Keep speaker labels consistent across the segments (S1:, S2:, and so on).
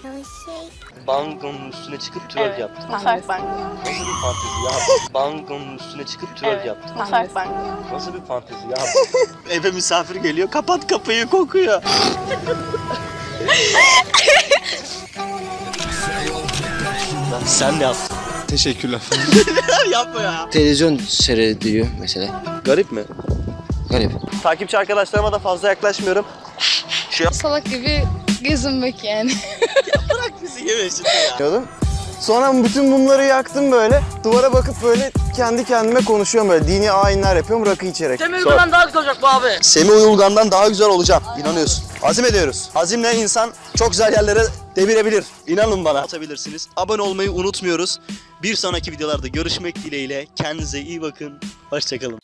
S1: Bangonun üstüne çıkıp twerk yaptın.
S2: Mutfak banyo.
S1: Nasıl bir fantezi ya? Bangonun üstüne çıkıp twerk yaptın.
S2: Mutfak banyo.
S1: Nasıl bir fantezi ya? Eve misafir geliyor, kapat kapıyı, kokuyor. Sen ne yaptın?
S3: Teşekkürler.
S1: Yapma ya.
S4: Televizyon seyrediyor mesela.
S1: Garip mi?
S4: Garip.
S1: Takipçi arkadaşlarıma da fazla yaklaşmıyorum.
S5: Salak gibi gezinmek yani.
S1: Bırak bizi yeme şimdi ya.
S3: Sonra bütün mumları yaktım böyle. Duvara bakıp böyle kendi kendime konuşuyorum böyle. Dini ayinler yapıyorum rakı içerek.
S1: Semih Uyulgan'dan daha güzel olacak bu abi. Semih Uyulgan'dan daha güzel olacağım. İnanıyorsun. Azim ediyoruz. Azimle insan çok güzel yerlere devirebilir. İnanın bana. Atabilirsiniz. Abone olmayı unutmuyoruz. Bir sonraki videolarda görüşmek dileğiyle. Kendinize iyi bakın. Hoşçakalın.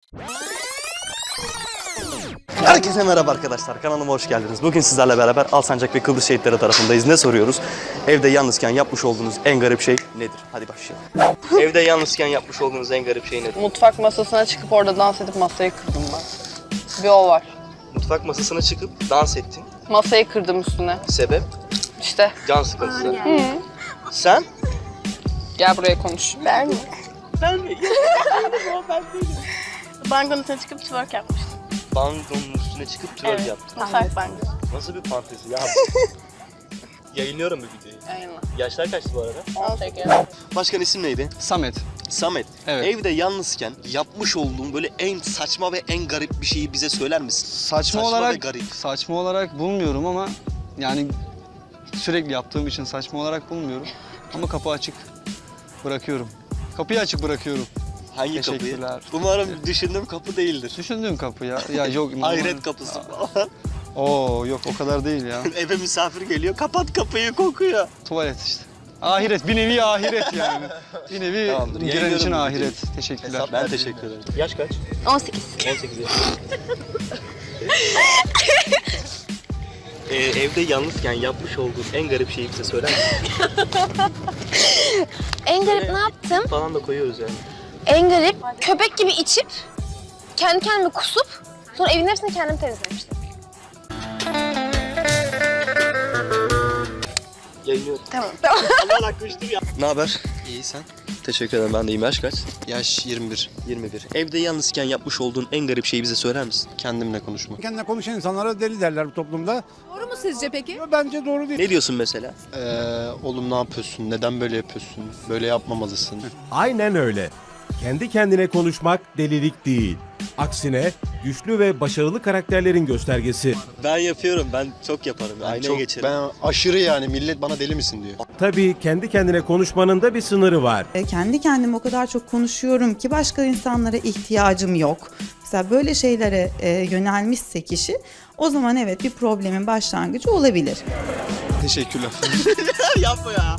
S1: Herkese merhaba arkadaşlar. Kanalıma hoş geldiniz. Bugün sizlerle beraber Alsancak ve Kıbrıs şehitleri tarafındayız. Ne soruyoruz? Evde yalnızken yapmış olduğunuz en garip şey nedir? Hadi başlayalım. Evde yalnızken yapmış olduğunuz en garip şey nedir?
S5: Mutfak masasına çıkıp orada dans edip masayı kırdım ben. Bir o var.
S1: Mutfak masasına çıkıp dans ettin.
S5: Masayı kırdım üstüne.
S1: Sebep?
S5: İşte
S1: Can sıkıntısı. Sen?
S5: gel buraya konuş.
S2: Ben mi?
S1: Ben mi?
S2: Bangonun üstüne çıkıp twerk yapmıştım.
S1: Bangonun üstüne çıkıp twerk yaptın.
S2: Mutfak banyo.
S1: Nasıl bir fantezi ya? Yayınlıyorum bu videoyu.
S5: Yayınla.
S1: Yaşlar kaçtı bu arada?
S5: 18.
S1: Başkan isim neydi?
S3: Samet.
S1: Samet.
S3: Evet.
S1: Evde yalnızken yapmış olduğun böyle en saçma ve en garip bir şeyi bize söyler misin?
S3: Saçma
S1: ve
S3: olarak
S1: garip.
S3: saçma olarak bulmuyorum ama yani sürekli yaptığım için saçma olarak bulmuyorum. Ama kapı açık bırakıyorum. Kapıyı açık bırakıyorum.
S1: Hangi kapıyı?
S3: Teşekkürler.
S1: Umarım düşündüğüm kapı değildir.
S3: Düşündüğüm kapı ya. Ya yok.
S1: Hayret kapısı falan.
S3: Oo yok o kadar değil ya.
S1: Eve misafir geliyor, kapat kapıyı, kokuyor.
S3: Tuvalet işte. Ahiret, bir nevi ahiret yani. Bir nevi
S1: Tamamdır,
S3: giren
S1: yayınlıyorum
S3: için
S1: bu
S3: ahiret.
S1: videoyu.
S3: Teşekkürler.
S1: Ben teşekkür ederim. Yaş kaç?
S2: 18.
S1: 18 yaş. Evde yalnızken yapmış olduğun en garip şeyi bize söyler misin?
S6: En garip ne yaptım?
S1: Falan da koyuyoruz yani.
S6: En garip köpek gibi içip kendi kendime kusup sonra evin hepsini kendim temizlemiştim.
S1: Yayınlıyorum.
S6: Tamam.
S1: Allah'ın hakkı üçtür ya. Ne haber? İyi sen? Teşekkür ederim. Ben de iyiyim. Yaş kaç?
S3: Yaş 21.
S1: 21. Evde yalnızken yapmış olduğun en garip şeyi bize söyler misin?
S3: Kendimle konuşmak.
S7: Kendine konuşan insanlara deli derler bu toplumda.
S8: Doğru mu sizce peki?
S7: Bence doğru değil.
S1: Ne diyorsun mesela?
S3: Oğlum ne yapıyorsun? Neden böyle yapıyorsun? Böyle yapmamalısın.
S9: Aynen öyle. Kendi kendine konuşmak delilik değil. Aksine güçlü ve başarılı karakterlerin göstergesi.
S1: Ben yapıyorum. Ben çok yaparım. Aynaya geçerim.
S3: Ben aşırı yani millet bana deli misin diyor.
S9: Tabii kendi kendine konuşmanın da bir sınırı var.
S8: Kendi kendime o kadar çok konuşuyorum ki başka insanlara ihtiyacım yok. Mesela böyle şeylere yönelmişse kişi o zaman evet bir problemin başlangıcı olabilir.
S3: Teşekkürler.
S1: Yapma ya.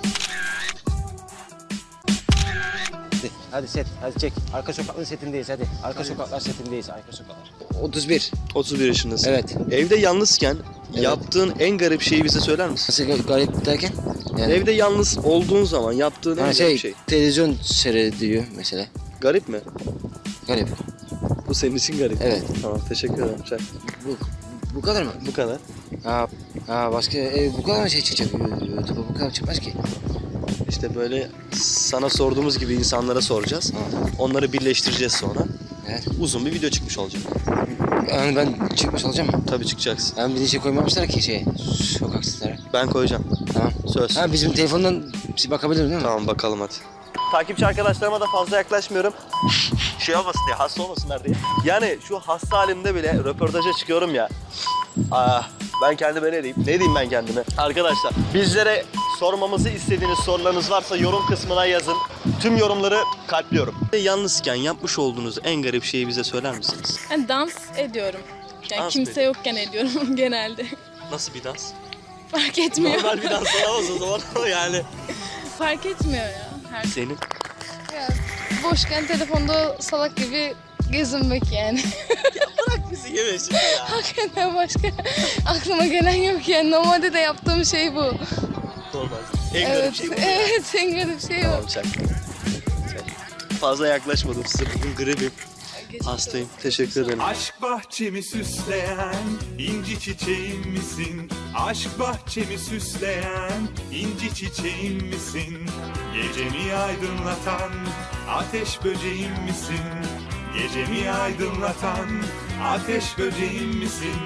S4: Hadi set, hadi çek. Arka sokakların setindeyiz hadi. Arka sokaklar setindeyiz, arka sokaklar. 31.
S1: 31 yaşındasın.
S4: Evet.
S1: Evde yalnızken
S4: Evet.
S1: yaptığın en garip şeyi bize söyler misin?
S4: Nasıl garip derken? Yani,
S1: Evde yalnız olduğun zaman yaptığın en
S4: yani
S1: garip şey.
S4: televizyon seyrediyor mesela.
S1: Garip mi?
S4: Garip.
S1: Bu senin için garip.
S4: Evet.
S1: Tamam, teşekkür ederim. Çak.
S4: Bu kadar mı?
S1: Bu kadar.
S4: Başka bu kadar mı şey çıkacak? YouTube'a bu kadar çıkmaz ki.
S1: İşte böyle sana sorduğumuz gibi insanlara soracağız. Onları birleştireceğiz sonra.
S4: Evet.
S1: Uzun bir video çıkmış olacak.
S4: Yani ben çıkmış olacağım mı?
S1: Tabii çıkacaksın.
S4: Yani bir de şey koymamışlar ki sokak sesleri.
S1: Ben koyacağım.
S4: Tamam.
S1: Söz.
S4: Ha bizim telefondan bir bakabilir değil mi?
S1: Tamam, bakalım hadi. Takipçi arkadaşlarıma da fazla yaklaşmıyorum. Şey olmasın diye, hasta olmasınlar diye. Yani şu hasta halimde bile röportaja çıkıyorum ya. Ben kendime ne diyeyim? Ne diyeyim ben kendime? Arkadaşlar, bizlere sormamızı istediğiniz sorularınız varsa yorum kısmına yazın. Tüm yorumları kalpliyorum. Yalnızken yapmış olduğunuz en garip şeyi bize söyler misiniz?
S5: Yani dans ediyorum. Yani
S1: Dans
S5: kimse yokken ediyorum genelde.
S1: Nasıl bir dans?
S5: Fark etmiyor.
S1: Normal bir dans olamaz o zaman yani.
S5: Fark etmiyor ya.
S1: Senin?
S5: Boşken telefonda salak gibi gezinmek yani.
S1: Bırak bizi yeme şimdi ya.
S5: Hakikaten başka aklıma gelen yok yani. Normalde de yaptığım şey bu.
S1: Normal. En garip şey bu mu ya?
S5: Evet, en garip şey
S1: Tamam,
S5: o.
S1: çak. Fazla yaklaşmadım size, bugün gribim. Hastayım. Teşekkür ederim.
S10: Aşk bahçemi süsleyen inci çiçeğim misin? Aşk bahçemi süsleyen inci çiçeğim misin? Gecemi aydınlatan ateş böceğim misin? Gecemi aydınlatan ateş böceğim misin?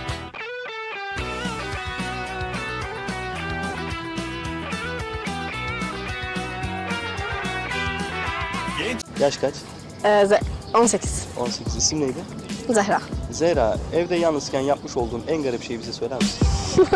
S1: Yaş kaç?
S6: 18.
S1: 18. İsim neydi?
S6: Zehra.
S1: Zehra, evde yalnızken yapmış olduğun en garip şeyi bize söyler misin?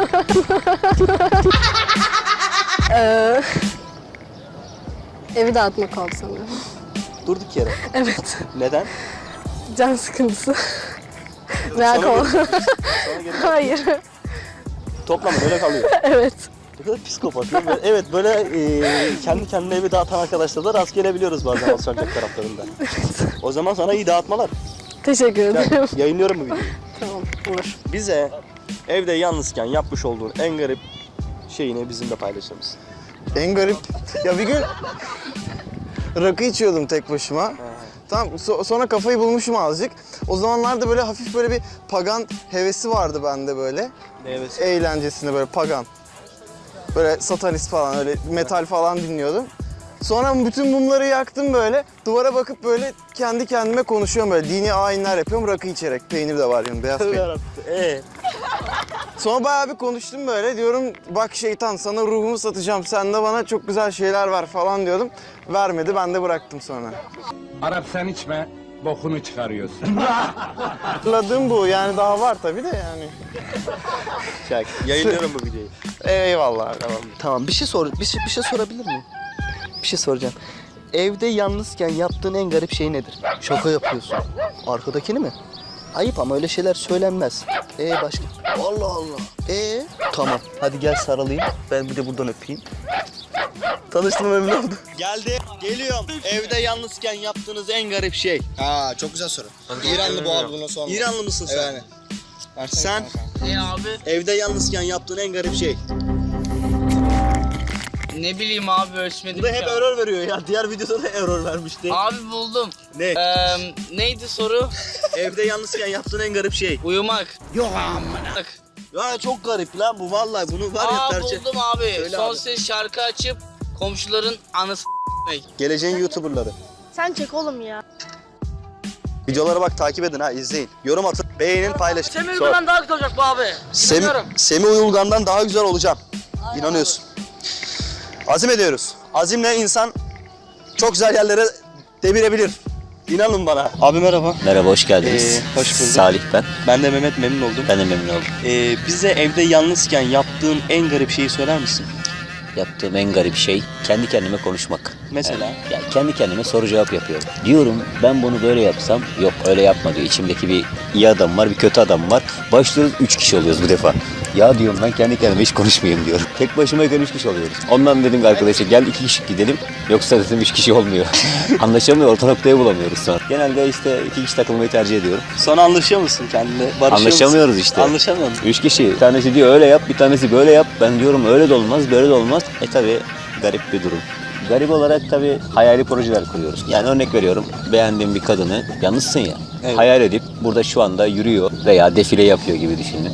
S5: Evi dağıtmak oldu sanırım.
S1: Durduk yere.
S5: Evet.
S1: Neden?
S5: Can sıkıntısı. Veya
S1: Sonra geri
S5: Hayır.
S1: toplama öyle kalıyor.
S5: Evet.
S1: Ne kadar psikopat değil mi? Evet böyle kendi kendine evi dağıtan arkadaşlarla rast gelebiliyoruz bazen Alsancak taraflarında. O zaman sana iyi dağıtmalar.
S5: Teşekkür ederim.
S1: Gel, yayınlıyorum bu videoyu.
S5: Tamam, olur.
S1: Bize evde yalnızken yapmış olduğun en garip şeyini bizimle paylaşır mısın?
S11: En garip. Ya bir gün rakı içiyordum tek başıma. Tamam sonra kafayı bulmuşum azıcık. O zamanlarda böyle hafif böyle bir pagan hevesi vardı bende böyle.
S1: Ne hevesi?
S11: Eğlencesinde böyle pagan. Böyle satanist falan öyle metal falan dinliyordum. Sonra bütün mumları yaktım böyle. Duvara bakıp böyle kendi kendime konuşuyorum böyle. Dini ayinler yapıyorum rakı içerek. Peynir de var yanında, beyaz peynir. Sonra bayağı bir konuştum böyle. Diyorum bak şeytan sana ruhumu satacağım. Sen de bana çok güzel şeyler ver falan diyordum. Vermedi, ben de bıraktım sonra.
S10: Arap sen içme, bokunu çıkarıyorsun.
S11: Hatırladığım bu yani, daha var tabii de yani.
S1: Çak. Yayınlıyorum bu videoyu.
S11: Eyvallah.
S1: Tamam bir şey sorabilir miyim? Bir şey soracağım. Evde yalnızken yaptığın en garip şey nedir? Şaka yapıyorsun. Arkadakini mi? Ayıp ama öyle şeyler söylenmez. Başka? Allah Allah. Tamam. Hadi gel sarılayım. Ben bir de buradan öpeyim. Tanıştığıma memnun oldum. Geldi. Geliyorum. Evde yalnızken yaptığınız en garip şey.
S11: Çok güzel soru. İranlı bu abi, bunu sorma.
S1: İranlı mısın sen?
S11: Evet.
S1: Sen?
S2: Ne abi?
S1: Evde yalnızken yaptığın en garip şey.
S2: Ne bileyim abi ölçmedim
S1: Bu da hep error veriyor ya. Diğer videoda da error vermişti.
S2: Abi buldum.
S1: Ne?
S2: Neydi soru?
S1: Evde yalnızken yaptığın en garip şey.
S2: Uyumak. Yok amına.
S1: Ya çok garip lan bu vallahi, bunu var ya tercih.
S2: Buldum abi.
S1: Söyle
S2: Son
S1: abi.
S2: ses şarkı açıp komşuların anısı
S1: Geleceğin YouTuber'ları.
S6: Sen çek oğlum ya.
S1: Videolara bak, takip edin ha, izleyin. Yorum atın, beğenin, paylaşın.
S2: Semih Uygulan daha güzel olacak bu abi.
S1: Semih Uyulgan'dan daha güzel olacağım. İnanıyorsun. Azim ediyoruz. Azimle insan çok güzel yerlere devirebilir. İnanın bana. Abi merhaba.
S12: Merhaba, hoş geldiniz.
S1: Hoş bulduk.
S12: Salih ben.
S1: Ben de Mehmet, memnun oldum.
S12: Ben de memnun oldum.
S1: Bize evde yalnızken yaptığın en garip şeyi söyler misin?
S12: Yaptığım en garip şey kendi kendime konuşmak.
S1: Mesela?
S12: Yani kendi kendime soru cevap yapıyorum. Diyorum ben bunu böyle yapsam, yok öyle yapma diyor. İçimdeki bir iyi adam var, bir kötü adam var. Başlıyoruz 3 kişi oluyoruz bu defa. Ya diyorum ben kendi kendime hiç konuşmayayım diyorum. Tek başımayken 3 kişi oluyoruz. Ondan dedim ki arkadaşa gel 2 kişi gidelim. Yoksa dedim 3 kişi olmuyor. Anlaşamıyor, orta noktayı bulamıyoruz sonra. Genelde işte 2 kişi takılmayı tercih ediyorum.
S1: Sonra anlaşıyor musun kendine? Barışıyor
S12: Anlaşamıyoruz
S1: musun?
S12: işte.
S1: Anlaşamıyor musun?
S12: 3 kişi. Bir tanesi diyor öyle yap, bir tanesi böyle yap. Ben diyorum öyle de olmaz, böyle de olmaz. Tabii garip bir durum. Garip olarak tabii hayali projeler kuruyoruz. Yani örnek veriyorum, beğendiğim bir kadını, yalnızsın ya,
S1: Evet.
S12: hayal edip burada şu anda yürüyor veya defile yapıyor gibi düşünün.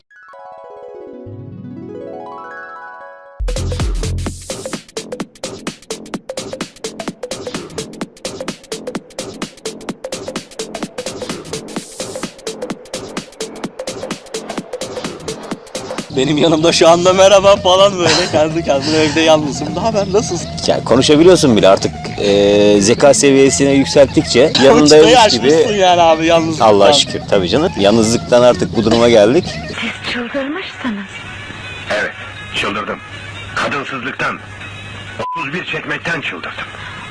S1: Benim yanımda şu anda merhaba falan böyle kendi kendime evde yalnızım. Daha ben nasılsın?
S12: Yani konuşabiliyorsun bile artık zeka seviyesine yükselttikçe yanındaymış gibi.
S1: Yani abi yalnızlıktan.
S12: Allah'a şükür tabii canım. Yalnızlıktan artık bu duruma geldik.
S6: Çıldırmışsınız.
S10: Evet, çıldırdım. Kadınsızlıktan, 31 çekmekten çıldırdım.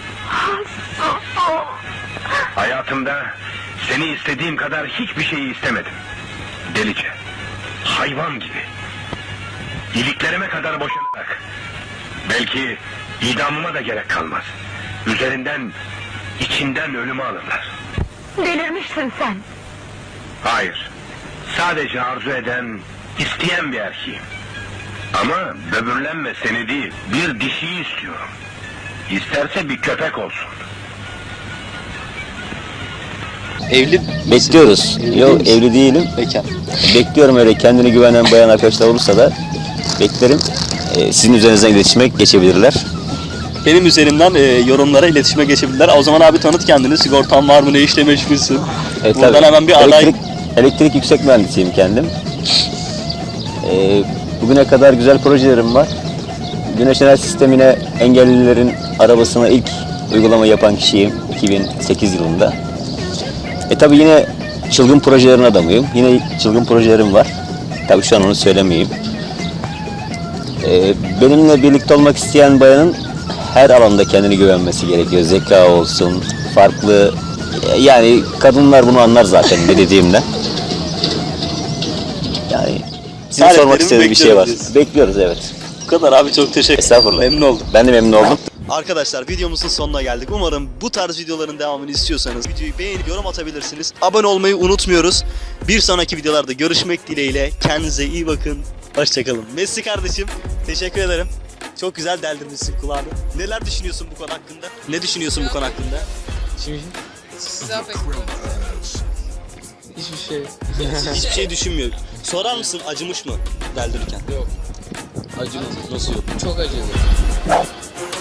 S10: Hayatımda seni istediğim kadar hiçbir şeyi istemedim. Delice, hayvan gibi. İliklerime kadar boşanarak. Belki idamıma da gerek kalmaz. Üzerinden, içinden ölümü alırlar.
S6: Delirmişsin sen.
S10: Hayır, sadece arzu eden, isteyen bir erkeğim. Ama böbürlenme seni değil, bir dişiyi istiyorum. İsterse bir köpek olsun.
S1: Evli
S12: Bekliyoruz. Yok evli değilim.
S1: bekar.
S12: Bekliyorum öyle kendine güvenen bayan arkadaşlar olursa da beklerim. Sizin üzerinizden iletişime geçebilirler.
S1: Benim üzerimden yorumlara iletişime geçebilirler. O zaman abi tanıt kendini. Sigortan var mı? Ne işle meşgulsün? Buradan
S12: tabii.
S1: hemen bir aday.
S12: Elektrik yüksek mühendisiyim kendim. Bugüne kadar güzel projelerim var. Güneş enerji sistemine engellilerin arabasına ilk uygulama yapan kişiyim 2008 yılında. Tabii yine çılgın projelerin adamıyım. Yine çılgın projelerim var. Tabii şu an onu söylemeyeyim. Benimle birlikte olmak isteyen bayanın her alanda kendini güvenmesi gerekiyor. Zeka olsun, farklı. Yani kadınlar bunu anlar zaten ne dediğimden. Yani size
S1: Taleplerimi
S12: sormak istediğim bir şey var.
S1: bekliyoruz.
S12: Bekliyoruz evet.
S1: Bu kadar abi, çok teşekkür ederim.
S12: Estağfurullah.
S1: Memnun oldum.
S12: Ben de memnun oldum.
S1: Arkadaşlar videomuzun sonuna geldik. Umarım bu tarz videoların devamını istiyorsanız videoyu beğenip yorum atabilirsiniz. Abone olmayı unutmuyoruz. Bir sonraki videolarda görüşmek dileğiyle. Kendinize iyi bakın. Hoşçakalın. Messi kardeşim, teşekkür ederim. Çok güzel deldirmişsin kulağını. Neler düşünüyorsun bu konu hakkında? Ne düşünüyorsun bu konu hakkında?
S2: Hiçbir şey.
S1: Hiçbir şey düşünmüyor. Sorar mısın acımış mı deldirirken?
S2: Yok.
S1: Acımış. Nasıl yok?
S2: Çok acıdı.